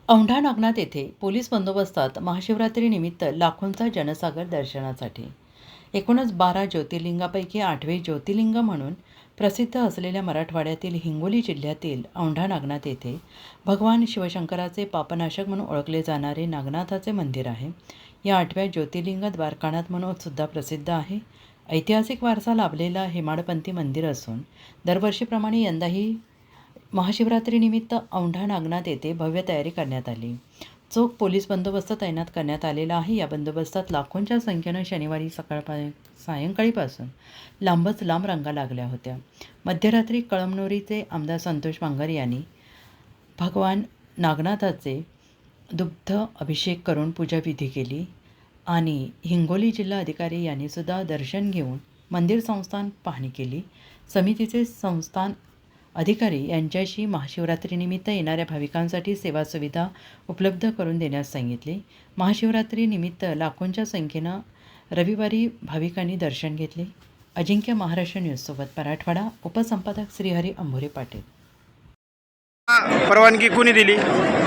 औंढा नागनाथ येथे पोलीस बंदोबस्तात महाशिवरात्रीनिमित्त लाखोंचा जनसागर दर्शनासाठी. एकूणच 12 ज्योतिर्लिंगापैकी 8वे ज्योतिर्लिंग म्हणून प्रसिद्ध असलेल्या मराठवाड्यातील हिंगोली जिल्ह्यातील औंढा नागनाथ येथे भगवान शिवशंकराचे पापनाशक म्हणून ओळखले जाणारे नागनाथाचे मंदिर आहे. या 8व्या ज्योतिर्लिंग द्वारकानाथ म्हणून सुद्धा प्रसिद्ध आहे. ऐतिहासिक वारसा लाभलेला हेमाडपंथी मंदिर असून दरवर्षीप्रमाणे यंदाही महाशिवरात्रीनिमित्त औंढा नागनाथ येथे भव्य तयारी करण्यात आली. चोख पोलीस बंदोबस्त तैनात करण्यात आलेला आहे. या बंदोबस्तात लाखोंच्या संख्येनं शनिवारी सायंकाळीपासून लांबच लांब रांगा लागल्या होत्या. मध्यरात्री कळमनुरीचे आमदार संतोष बांगर यांनी भगवान नागनाथाचे दुग्ध अभिषेक करून पूजाविधी केली आणि हिंगोली जिल्हा अधिकारी यांनी सुद्धा दर्शन घेऊन मंदिर संस्थान पाहणी केली. समितीचे संस्थान अधिकारी यांच्याशी महाशिवरात्रीनिमित्त येणाऱ्या भाविकांसाठी सेवा सुविधा उपलब्ध करून देण्यास सांगितले. महाशिवरात्रीनिमित्त लाखोंच्या संख्येनं रविवारी भाविकांनी दर्शन घेतले. अजिंक्य महाराष्ट्र न्यूजसोबत मराठवाडा उपसंपादक श्रीहरी अंभोरे पाटील. परवानगी कोणी दिली?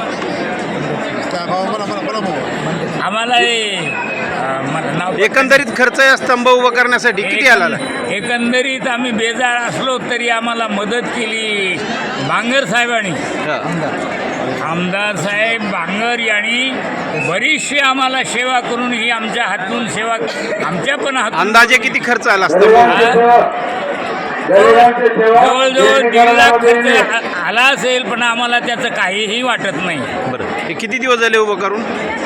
आम्हाला एकंदरीत खर्च या स्तंभ उभा करण्यासाठी किती आला? एकंदरीत आम्ही बेजार असलो तरी आम्हाला मदत केली बांगर साहेबांनी. आमदार साहेब बांगर यांनी बरीचशी आम्हाला सेवा करून ही आमच्या हातून सेवा आमच्या पण हातून. अंदाजे किती खर्च आला स्तंभ? जवळजवळ 1.5 लाख खर्च आला असेल, पण आम्हाला त्याचं काहीही वाटत नाही. बरं, हे किती दिवस झाले उभं करून?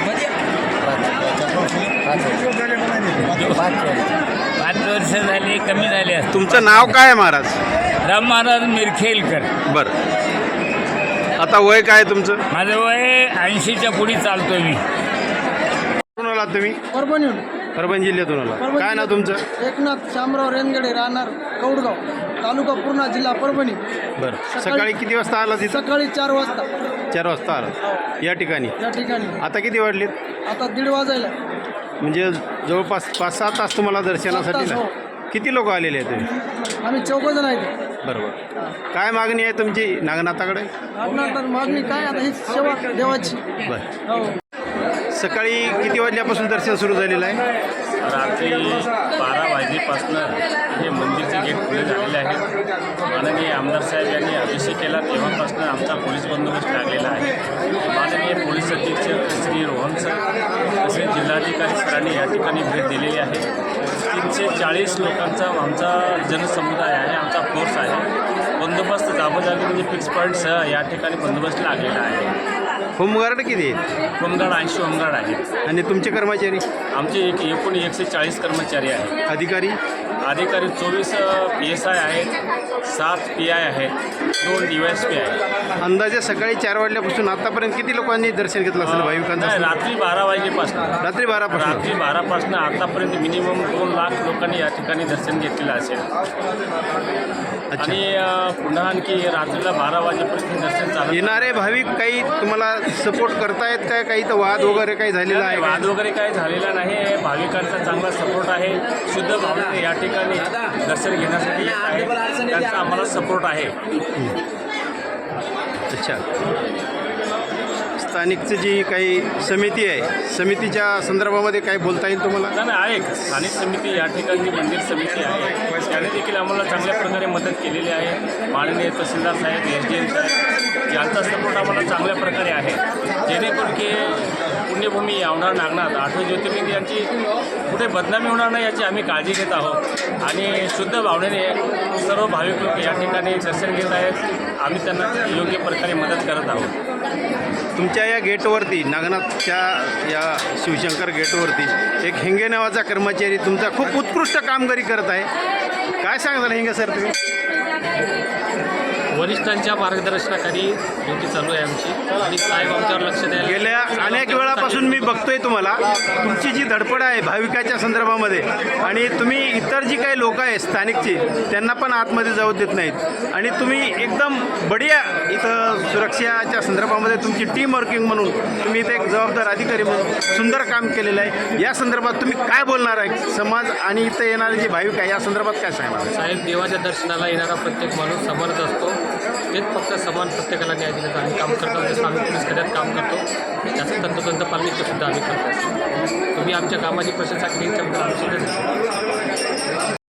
5 वर्ष झाली, कमी झाले. तुमचं नाव काय आहे महाराज? राम महाराज मिरखेलकर. बरं, आता वय काय तुमचं? माझं वय 80च्या पुढे चालतोय मी. कुठून आलात तुम्ही? परभणी जिल्ह्यातून आला. काय नाव तुमचं? एकनाथ शामराव रेनगडे, राहणार कौडगाव, तालुका पूर्णा, जिल्हा परभणी. बरं, सकाळी किती वाजता आला तिथं? सकाळी 4 वाजता. 4 वाजता आला या ठिकाणी. आता किती वाजलेत? आता 1:30 वाजायला. म्हणजे जवळपास 5-6 तास तुम्हाला दर्शनासाठी 7 तास, हो. किती लोक आलेले आहेत तुम्ही? आम्ही 4 जण आहेत. बरोबर. काय मागणी आहे तुमची नागनाथाकडे? नागनाथ मागणी काय, आता ही सेवा देवाची. बरं, हो. सकाळी किती वाजल्यापासून दर्शन सुरू झालेलं आहे? रात्री 12 वाजल्यापासून हे मंदिरचे गेट खुले झालेले आहेत. माननीय आमदार साहेब यांनी अभिषेक केला तेव्हापासून आमचा पोलीस बंदोबस्त लागलेला आहे. माननीय पोलीस अधीक्षक श्री रोहन सर तसेच जिल्हाधिकारी सरांनी या ठिकाणी भेट दिलेली आहे. 340 लोकांचा आमचा जनसमुदाय आहे, आमचा फोर्स आहे. बंदोबस्त जागोजागी म्हणजे फिक्स पॉईंटसह या ठिकाणी बंदोबस्त लागलेला आहे. होमगार्ड किती आहेत? होमगार्ड 80 होमगार्ड आहेत. आणि तुमचे कर्मचारी? आमचे एकूण 140 कर्मचारी आहेत. अधिकारी? अधिकारी 24 PSI आहेत, 7 PI आहेत, 2 DYSP आहेत. अंदाजे सकाळी 4 वाजल्यापासून आतापर्यंत किती लोकांनी दर्शन घेतलं असेल भाविकांचं? रात्री 12 वाजल्यापासून रात्री 12 रात्री 12पासून आतापर्यंत मिनिमम 2 लाख लोकांनी या ठिकाणी दर्शन घेतलेलं असेल. आणि पुन्हा आणखी रात्रीला 12 वाजेपर्यंत दर्शन चालू. येणारे भाविक काही तुम्हाला सपोर्ट करतायत काय? काही तर वाद वगैरे काही झालेला आहे? वाद वगैरे काही झालेला नाही. भाविकांचा चांगला सपोर्ट आहे. शुद्ध भावनेने या ठिकाणी दर्शन घेण्यासाठी येत आहे, त्यांचा आम्हाला सपोर्ट आहे. अच्छा, स्थानिकची जी काही समिती आहे, समितीच्या संदर्भामध्ये काय बोलता येईल तुम्हाला? नाही, आहे स्थानिक समिती या ठिकाणी मंदिर समिती आहे, त्याने देखील आम्हाला चांगल्या प्रकारे मदत केलेली आहे. माननीय तहसीलदार साहेब, SDM साहेब यांचा सपोर्ट आम्हाला चांगल्या प्रकारे आहे. जेणेकरून की पुण्यभूमी औंढा नागनाथ 8वे ज्योतिर्लिंग यांची कुठे बदनामी होणार नाही याची आम्ही काळजी घेत आहोत. आणि शुद्ध भावनेने सर्व भाविक लोक या ठिकाणी दर्शन घेत आहेत. आम्ही त्यांना योग्य प्रकारे मदत करत आहोत. तुमच्या या गेटवरती, नागनाथच्या या शिवशंकर गेटवरती एक हिंगे नावाचा कर्मचारी तुमचा खूप उत्कृष्ट कामगिरी करत आहे. काय सांगताल हिंगे सर तुम्ही? वरिष्ठांच्या मार्गदर्शनाखाली ड्युटी चालू आहे आमची आणि साहेब आमच्यावर लक्ष द्यायला. गेल्या अनेक वेळापासून मी बघतोय तुम्हाला, तुमची जी धडपड आहे भाविकाच्या संदर्भामध्ये, आणि तुम्ही इतर जी काही लोक आहेत स्थानिकची त्यांना पण आतमध्ये जाऊ देत नाहीत, आणि तुम्ही एकदम बढिया इथं सुरक्षेच्या संदर्भामध्ये तुमची टीम वर्किंग म्हणून तुम्ही इथे एक जबाबदार अधिकारी म्हणून सुंदर काम केलेलं आहे. या संदर्भात तुम्ही काय बोलणार आहे? समाज आणि इथं येणारे जे भाविक आहे या संदर्भात काय सांगणार? साहेब, देवाच्या दर्शनाला येणारा प्रत्येक माणूस समानच असतो. तेच फक्त समान प्रत्येकाला न्याय देण्याचं आम्ही काम करतो. जसं आम्ही पोलीस खात्यात काम करतो त्याचं तंतोतंत पालन इथं सुद्धा आम्ही करतो. तुम्ही आमच्या कामाची प्रशंसा केली त्याच्याबद्दल आम्ही सुद्धा